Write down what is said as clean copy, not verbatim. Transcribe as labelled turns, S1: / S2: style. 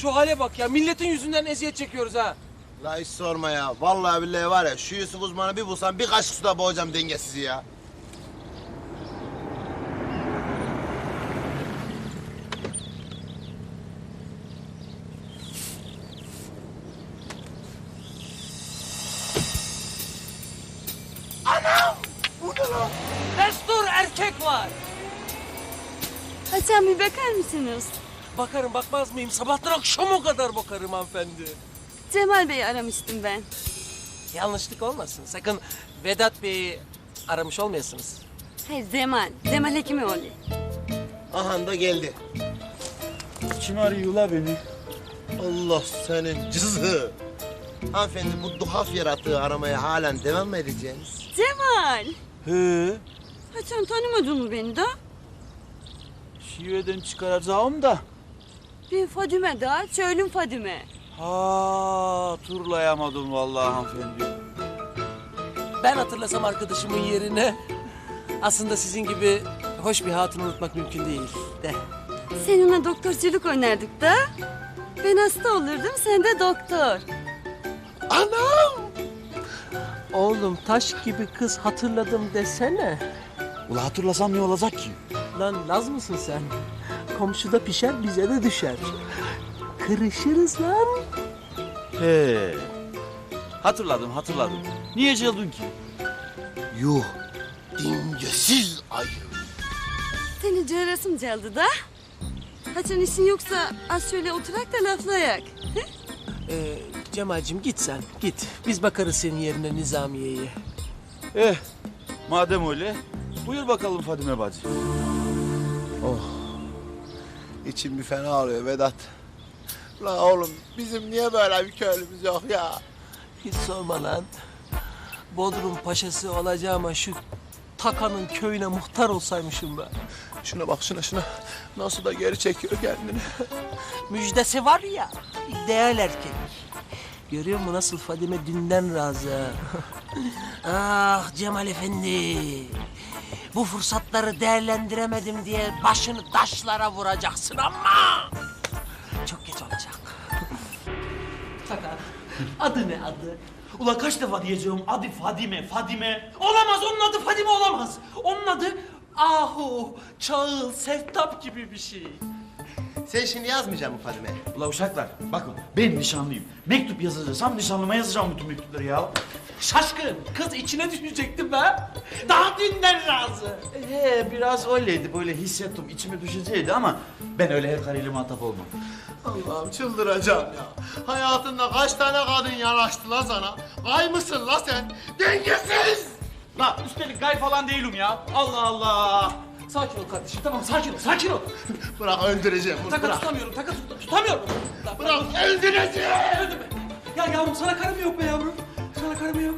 S1: şu hale bak ya. Milletin yüzünden eziyet çekiyoruz ha.
S2: La hiç sorma ya. Vallahi billahi var ya şu Yusuf uzmanı bir bulsam bir kaşık suda boğacağım dengesizi ya. Anam! Bu ne lan?
S1: Destur erkek var.
S3: Hasan bir bakar mısınız?
S1: Bakarım bakmaz mıyım? Sabahtan akşama kadar bakarım hanımefendi.
S3: Cemal Bey'i aramıştım ben.
S1: Yanlışlık olmasın. Sakın Vedat Bey'i aramış olmayasınız.
S3: Hayır Cemal. Cemal Hekimoğlu.
S2: Aha da geldi.
S4: Kim arıyor la beni?
S2: Allah senin cızı. Hanımefendi bu duhaf yaratığı aramaya halen devam mı edeceğiniz?
S3: Cemal.
S4: He,
S3: Hasan tanımadın mı beni de?
S4: şiveden çıkaracağım da.
S3: Ben Fadime da. Söylüm Fadime.
S4: Ha, turlayamadım vallahi hanımefendi.
S1: Ben hatırlasam arkadaşımın yerine... Aslında sizin gibi hoş bir hatunu unutmak mümkün değil de.
S3: Seninle doktorculuk oynardık da. Ben hasta olurdum, sen de doktor.
S2: Anam!
S1: Oğlum taş gibi kız hatırladım desene.
S4: Ula hatırlasam ne olacak ki?
S1: Lan Laz mısın sen? Komşuda pişer bize de düşer. Kırışırız lan.
S4: He. Hatırladım. Niye cıldın ki?
S2: Yuh! Dingesiz ayı.
S3: Seni cığırasım geldi da. Hasan işin yoksa az şöyle oturak da laflayak.
S1: Cemal'cim git sen git. Biz bakarız senin yerine Nizamiye'ye.
S4: Madem öyle, buyur bakalım Fadime bacı.
S2: İçim bir fena ağrıyor Vedat. La oğlum bizim niye böyle bir köylümüz yok ya?
S1: Hiç sorma lan. Bodrum paşası olacağıma şu Takan'ın köyüne muhtar olsaymışım ben.
S2: Şuna bak şuna. Nasıl da geri çekiyor kendini.
S1: Müjdesi var ya, ideal erkek. Görüyor musun nasıl Fadime dünden razı? Ah Cemal Efendi. Bu fırsatları değerlendiremedim diye başını taşlara vuracaksın ama... Çok geç olacak. Takan, adı ne adı?
S5: Ulan kaç defa diyeceğim adı Fadime. Olamaz, onun adı Fadime olamaz. Onun adı Ahu, Çağıl, Seftap gibi bir şey.
S2: Sen şimdi yazmayacaksın mı Fadime?
S5: Ulan uşaklar bakın ben nişanlıyım. Mektup yazacaksam nişanlıma yazacağım bütün mektupları ya.
S1: Şaşkın, kız içine düşecektim be. Daha dünden razı.
S5: Biraz öyleydi, böyle hissettim, içime düşecekti ama ben öyle her karıyla muhatap olmam.
S2: Allah'ım çıldıracağım ya. Hayatında kaç tane kadın yanaştı la sana? Gay mısın la sen? Dengesiz!
S5: La üstelik gay falan değilim ya. Allah Allah.
S1: Sakin ol kardeşim, tamam sakin ol.
S2: Bırak öldüreceğim bunu
S1: Taka
S2: bırak.
S1: tutamıyorum, tutamıyorum.
S2: Bırak öldüreceğim!
S1: Ya yavrum sana karım yok be yavrum. Sana karım yok.